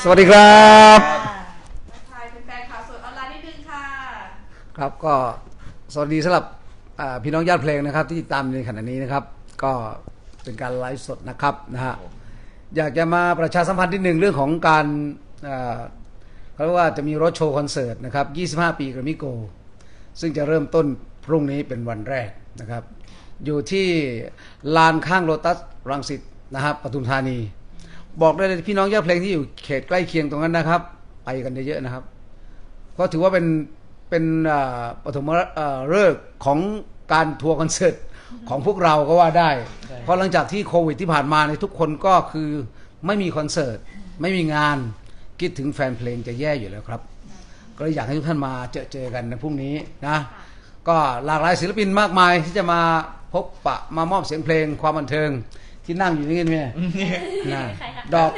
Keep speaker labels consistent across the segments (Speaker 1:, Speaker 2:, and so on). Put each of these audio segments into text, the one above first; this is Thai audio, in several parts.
Speaker 1: สวัสดีครับ
Speaker 2: ทักทายแฟนๆข่าวสดออนไลน์นิดนึงค่ะ
Speaker 1: ครับก็สวัสดีสำหรับพี่น้องญาติเพลงนะครับที่ตามในขณะนี้นะครับก็เป็นการไลฟ์สดนะครับนะฮะอยากจะมาประชาสัมพันธ์นิดหนึ่งเรื่องของการเขาเรียกว่าจะมีรถโชว์คอนเสิร์ตนะครับ25 ปีแกรมมี่โกลด์ซึ่งจะเริ่มต้นพรุ่งนี้เป็นวันแรกนะครับอยู่ที่ลานข้างโลตัสรังสิตนะครับปทุมธานีบอกได้เลยพี่น้องญาติเพลงที่อยู่เขตใกล้เคียงตรงนั้นนะครับไปกันเยอะๆนะครับเพราะถือว่าเป็นปฐมฤกษ์ของการทัวร์คอนเสิร์ตของพวกเราก็ว่าได้เพราะหลังจากที่โควิดที่ผ่านมาในทุกคนก็คือไม่มีคอนเสิร์ตไม่มีงานคิดถึงแฟนเพลงจะแย่อยู่แล้วครับก็เลยอยากให้ทุกท่านมาเจอกันในพรุ่งนี้นะก็หลากหลายศิลปินมากมายที่จะมาพบปะมามอบเสียงเพลงความบันเทิงที่นั่งอยู่นี่กันเนี่ยดอก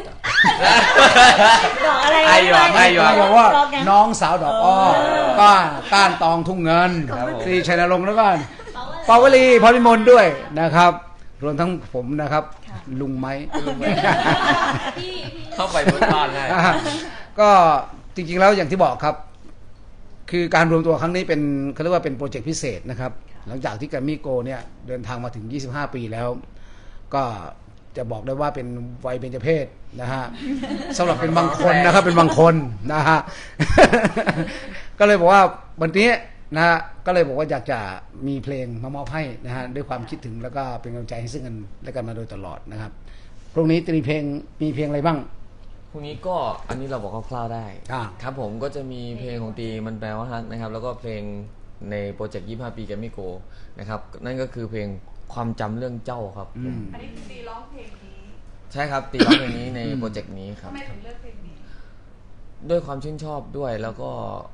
Speaker 3: อะไร
Speaker 1: ไอ้หยอกว่าน้องสาวดอกอ้อก้านตองทุ่งเงินตรีชัยนรงค์แล้วก็ปาวลีพรพิมลด้วยนะครับรวมทั้งผมนะครับลุงไม้
Speaker 4: เข้าไปบนบ้านได้
Speaker 1: ก็จริงๆแล้วอย่างที่บอกครับคือการรวมตัวครั้งนี้เป็นเขาเรียกว่าเป็นโปรเจกต์พิเศษนะครับหลังจากที่แกรมมี่โกลด์เนี่ยเดินทางมาถึง25 ปีแล้วก็จะบอกได้ว่าเป็นวัยเบญจเพศนะฮะสำหรับเป็นบางคนนะครับเป็นบางคนนะฮะก็เลยบอกว่าวันนี้นะฮะก็เลยบอกว่าอยากจะมีเพลงมามอบให้นะฮะด้วยความคิดถึงแล้วก็เป็นกำลังใจให้ซึ่งกันและกันมาโดยตลอดนะครับพรุ่งนี้จะมีเพลงอะไรบ้าง
Speaker 4: พรุ่งนี้ก็อันนี้เราบอกคร่าวๆได้ครับผมก็จะมีเพลงของตีมันแปลว่าฮักนะครับแล้วก็เพลงในโปรเจกต์25 ปีแกรมมี่โกลด์นะครับนั่นก็คือเพลงความจำเรื่องเจ้าครับ
Speaker 2: อันนี้คือตีร้องเพลงนี้
Speaker 4: ใช่ครับตีร้องเพลงนี้ในโปรเจกต์นี้ครับ
Speaker 2: ทำไมถึงเลือกเพลงนี้
Speaker 4: ด้วยความชื่นชอบด้วยแล้วก็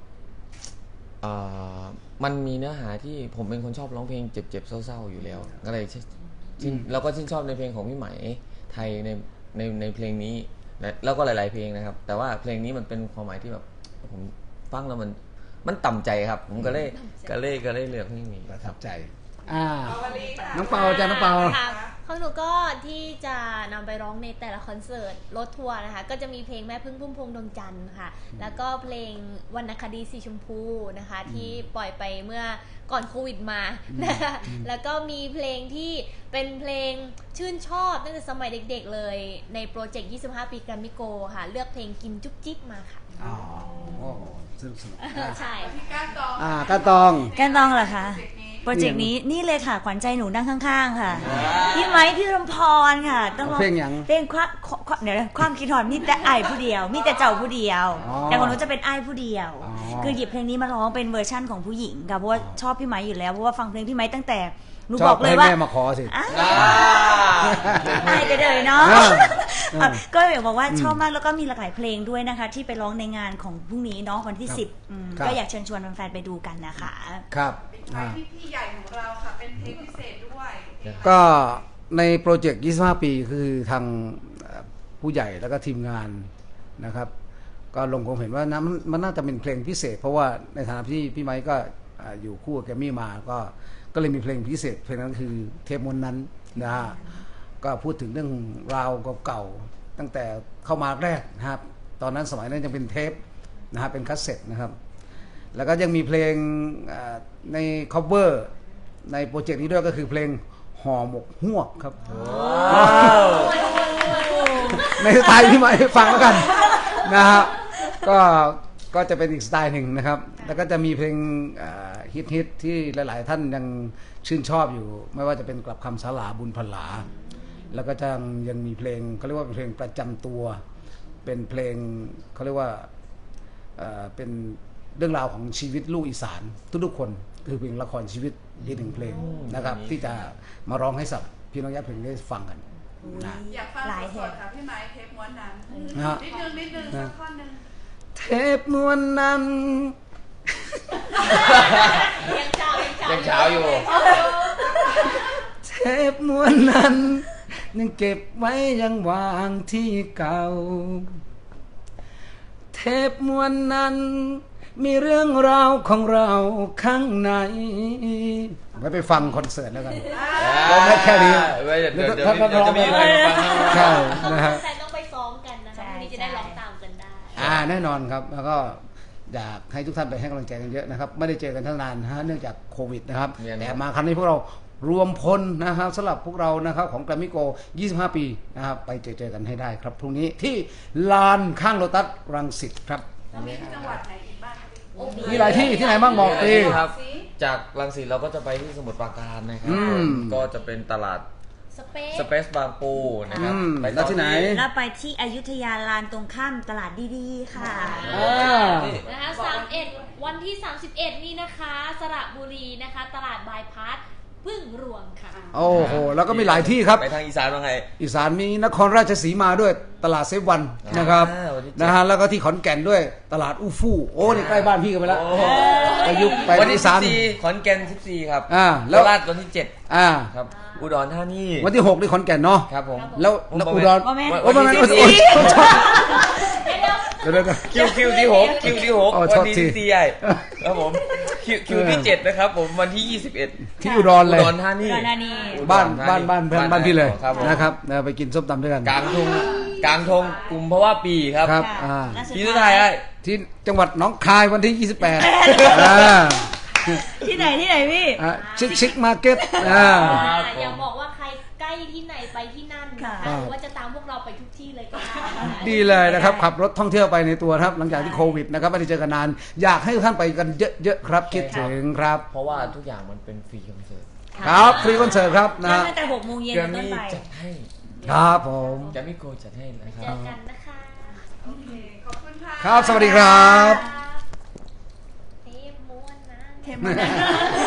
Speaker 4: มันมีเนื้อหาที่ผมเป็นคนชอบร้องเพลงเจ็บๆเศร้าๆอยู่แล้วก็เลยแล้วก็ชื่นชอบในเพลงของพี่ไหมไทยในเพลงนี้แล้วก็หลายๆเพลงนะครับแต่ว่าเพลงนี้มันเป็นความหมายที่แบบผมฟังแล้วมันต่ำใจครับผมก็เลยเลือกเพลงนี้
Speaker 1: ประทับใจน้องเปาจ้าน้องเปา
Speaker 3: ของหนูก็ที่จะนำไปร้องในแต่ละคอนเสิร์ตรถทัวร์นะคะก็จะมีเพลงแม่พึ่งพุ่มพวงดวงจันทร์ค่ะแล้วก็เพลงวรรณคดีสีชมพูนะคะที่ปล่อยไปเมื่อก่อนโควิดมานะคะแล้วก็มีเพลงที่เป็นเพลงชื่นชอบตั้งแต่สมัยเด็กๆเลยในโปรเจกต์25 ปีแกรมมี่โกลด์ค่ะเลือกเพลงกินจุ๊บจิ๊บมาค่ะ
Speaker 1: อ๋อสนุก
Speaker 3: ใช่
Speaker 2: ที่ก้านตอง
Speaker 1: ก้านตอง
Speaker 5: เหรอคะโปรเจกต์นี้นี่เลยค่ะขวัญใจหนูนั่งข้างๆค่ะพี่ไม้พี่รำพรค่ะ
Speaker 1: ต้องเพลงอย่าง
Speaker 5: เพลงเดี๋ยวความคิดถอนมีแต่ไอ้ผู้เดียวมีแต่เจ้าผู้เดียวแต่ของหนูจะเป็นไอ้ผู้เดียวคือหยิบเพลงนี้มาร้องเป็นเวอร์ชั่นของผู้หญิงค่ะเพราะว่าชอบพี่ไม้อยู่แล้วเพราะว่าฟังเพลงพี่ไม้ตั้งแต่หนูบอกเลยว่า
Speaker 1: แม่มาขอสิ
Speaker 5: ไอ้ไปเลยเนาะก็อยากบอกว่าชอบมากแล้วก็มีหลากหลายเพลงด้วยนะคะที่ไปร้องในงานของพรุ่งนี้เนาะวันที่10ก็อยากเชิญชวนแฟนๆไปดูกันนะคะ
Speaker 1: ครับ
Speaker 2: ที่ใหญ่ของเราค่ะเป็นเพลงพิเศษด้วย
Speaker 1: ก็ในโปรเจกต์25 ปีคือทางผู้ใหญ่แล้วก็ทีมงานนะครับก็ลงความเห็นว่านะมันน่าจะเป็นเพลงพิเศษเพราะว่าในฐานะที่พี่ไมค์ก็อยู่คู่กับแกรมมี่มาก็เลยมีเพลงพิเศษเพลงนั้นคือเทปมนนั้นนะฮะก็พูดถึงเรื่องราวเก่าๆตั้งแต่เข้ามาแรกนะครับตอนนั้นสมัยนั้นยังเป็นเทปนะฮะเป็นคัสเซ็ตนะครับแล้วก็ยังมีเพลงในคัฟเวอร์ในโปรเจกต์นี้ด้วยก็คือเพลงห่อหมกฮวกครับในสไตล์ที่มาให้ฟังแล้วกันนะฮะก็จะเป็นอีกสไตล์หนึ่งนะครับแล้วก็จะมีเพลงฮิตที่หลายๆท่านยังชื่นชอบอยู่ไม่ว่าจะเป็นกลับคำสาลาบุญพลาแล้วก็ยังมีเพลงเขาเรียกว่าเป็นเพลงประจำตัวเป็นเพลงเขาเรียกว่าเป็นเรื่องราวของชีวิตลูกอีสานทุกๆคนคือเพลงละครชีวิตอีกหนึ่งเพลงนะครับที่จะมาร้องให้สับพี่น้องญาติเพลงได้ฟังกัน
Speaker 2: นะอยากฟังสดๆค่ะพี่ไม้เทปม้วนนั้นนิดนึงสักท่อนนึง
Speaker 1: เทปม้วนนั้น
Speaker 4: ยังเช้าอยู่
Speaker 1: เทปม้วนนั้นยังเก็บไว้ยังวางที่เก่าเทปม้วนนั้นมีเรื่องราวของเราข้างในไว้ไปฟังคอนเสิร์ตแล้วกันเราไม่แค่นี้
Speaker 4: เดี๋ยวจะมีอะไรฟัง
Speaker 1: ใช่นะฮะ
Speaker 3: แต่ต้องไปซ้อมกันนะคะวันนี้จะได้ร้องตามกันได้
Speaker 1: แน่นอนครับแล้วก็อยากให้ทุกท่านไปให้กำลังใจกันเยอะนะครับไม่ได้เจอกันทั้งนานเนื่องจากโควิดนะครับแต่มาครั้งนี้พวกเรารวมพลนะครับสำหรับพวกเรานะครับของแกรมมี่โก 25 ปีนะครับไปเจอกันให้ได้ครับพรุ่งนี้ที่ลานข้างโลตัสรังสิตครับ
Speaker 2: แล้วมีที่จังหวัดไหนอีกบ้างคะพี่
Speaker 1: มีหลายที่ที่ไหนบ้างบอกตี
Speaker 4: ครับ จากรังสิตเราก็จะไปที่สมุทรปราการนะครับ ก็จะเป็นตลาด สเปซบางปูนะครับไป
Speaker 1: แล้วที่ไหน
Speaker 5: แล้วไปที่อยุธยาลานตรงข้ามตลาดดีๆค่ะ
Speaker 3: นะคะ31วันที่ 31 นี่นะคะสระบุรีนะคะ ตลาดบายพาสพึ่งรวงค่ะ
Speaker 1: โอ้โหแล้วก็มีหลายที่ครับ
Speaker 4: ไปทางอีสานว่าไง
Speaker 1: อีสานมีนครราชสีมาด้วยตลาดเซฟวันนะครับ
Speaker 4: วันที่7
Speaker 1: นะฮะแล้วก็ที่ขอนแก่นด้วยตลาดอู้ฟู่โอ้นี่ใกล้บ้านพี่กันไปแล้ว
Speaker 4: โอ้โห
Speaker 1: ไปยุคไป
Speaker 4: วันที่
Speaker 1: อีสาน
Speaker 4: 14ขอนแก่น14ครับ
Speaker 1: แล้ว
Speaker 4: โคราชวันที่
Speaker 1: อ่า
Speaker 4: 7ครับอุดรธานี
Speaker 1: วันที่6ที่ขอนแก่นเนาะ
Speaker 4: ครับผม
Speaker 1: แล้วอุดร
Speaker 5: ว่าแม่
Speaker 1: โอ้ไม่ไม่
Speaker 4: วันที่
Speaker 1: โอ้ย
Speaker 3: เดี๋ยว
Speaker 1: เดี๋ยว
Speaker 4: คิวที่6คิวที่6
Speaker 1: อ๋อ
Speaker 4: วัน
Speaker 1: โทษ
Speaker 4: ที่
Speaker 1: ที
Speaker 4: 14ใหญ่ครับผมคิวที่7นะครับผมวันที่21
Speaker 1: ที่อุดรเลย
Speaker 4: อุดรธานี
Speaker 5: อุดรธานี
Speaker 1: บ้านเพื่อนบ้านพี่เลย
Speaker 4: ครับผม
Speaker 1: นะครับไปกินส้มตำด้วยกัน
Speaker 4: กลางทงกลุ่มเพราะว่าปีครับ
Speaker 1: ครับ
Speaker 5: ค่ะ
Speaker 1: อ่า
Speaker 4: ที่สุดท้ายไอ้
Speaker 1: ที่จังหวัดหนองคายวันที่ 28อ่า
Speaker 5: ที่ไหนพี่
Speaker 1: ชิคมาร์เก็ตอ่า
Speaker 3: อย่าบอกว่าใครใกล้ที่ไหนไปที่นั่นนะคะ
Speaker 1: ค่ะ
Speaker 3: หรือว่าจะตามพวกเราไปทุกที่เลยก็ได้นะคะ
Speaker 1: ดีเลยนะครับขับรถท่องเที่ยวไปในตัวครับ หลังจากที่โควิดนะครับไม่ได้เจอกันนาน อยากให้ท่านไปกันเยอะๆครับคิดถึงครับ
Speaker 4: เพราะว่าทุกอย่างมันเป็นฟรีคอนเสิร์ต
Speaker 1: ครับฟรีคอนเสิร์ตครับนะ
Speaker 5: ตั้งแต่6 โมงเย็น
Speaker 4: แกร
Speaker 5: เป็น
Speaker 4: ม
Speaker 5: ต้น
Speaker 4: มี่
Speaker 5: ไป
Speaker 4: จัดให้
Speaker 1: ครับผม
Speaker 4: แกรมมี่โกจัดให้นะค
Speaker 3: เจ
Speaker 4: รับ
Speaker 3: อกันนะคะ
Speaker 2: โอเค ขอบคุณค่ะ
Speaker 1: ครับสวัสดีครับ
Speaker 3: เทปม้วนนะ
Speaker 5: เทปม้วนนะ